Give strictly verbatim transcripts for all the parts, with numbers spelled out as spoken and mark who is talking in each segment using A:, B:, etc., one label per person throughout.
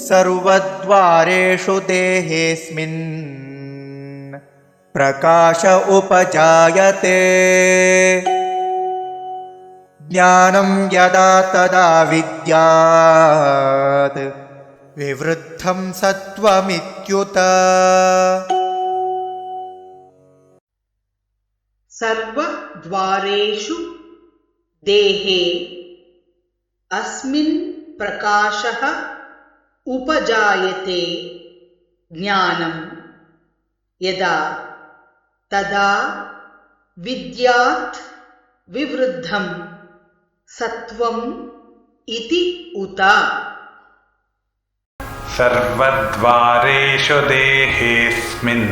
A: सर्वद्वारेषु देहेऽस्मिन् प्रकाश उपजायते ज्ञानं यदा तदा विद्यात् विवृद्धं सत्त्वमित्युत।
B: सर्वद्वारेषु देहे अस्मिन् प्रकाशः उपजायते ज्ञानं यदा तदा विद्यात् विवृद्धं सत्त्वम् इति उत।
C: सर्वद्वारेषु देहेऽस्मिन्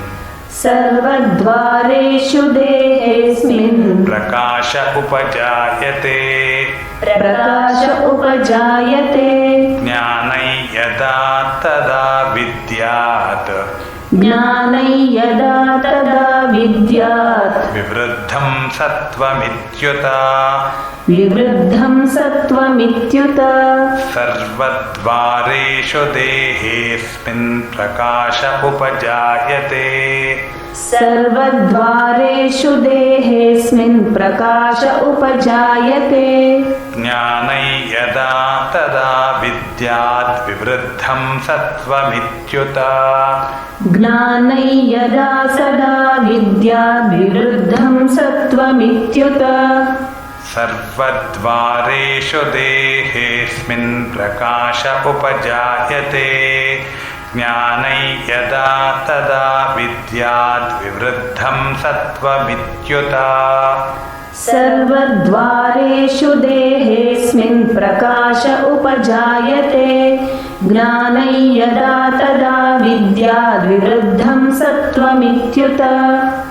D: सर्वद्वारेषु देहेऽस्मिन्
C: प्रकाश उपजायते
D: प्रकाश उपजायते
C: ज्ञानै यदा तदा विद्यात्
D: ज्ञानै यदा तदा विद्यात्
C: विवृद्धं सत्त्वमित्युत।
D: विवृद्धं सत्त्वमित्युत।
C: सर्वद्वारेषु देहेऽस्मिन् प्रकाश उपजायते
D: सर्वद्वारेषु देहेऽस्मिन् प्रकाश उपजायते
C: ज्ञानै यदा तदा विद्यात् विवृद्धं सत्त्वमित्युत।
D: ज्ञानै यदा सदा विद्यात् विवृद्धं सत्त्वमित्युत।
C: सर्वद्वारेषु देहेऽस्मिन् प्रकाश उपजायते ज्ञानै यदा तदा विद्यात् विवृद्धं सत्त्वमित्युत।
D: सर्वद्वारेषु देहेऽस्मिन् प्रकाश उपजायते ज्ञानै यदा तदा विद्यात् विवृद्धं सत्त्वमित्युत।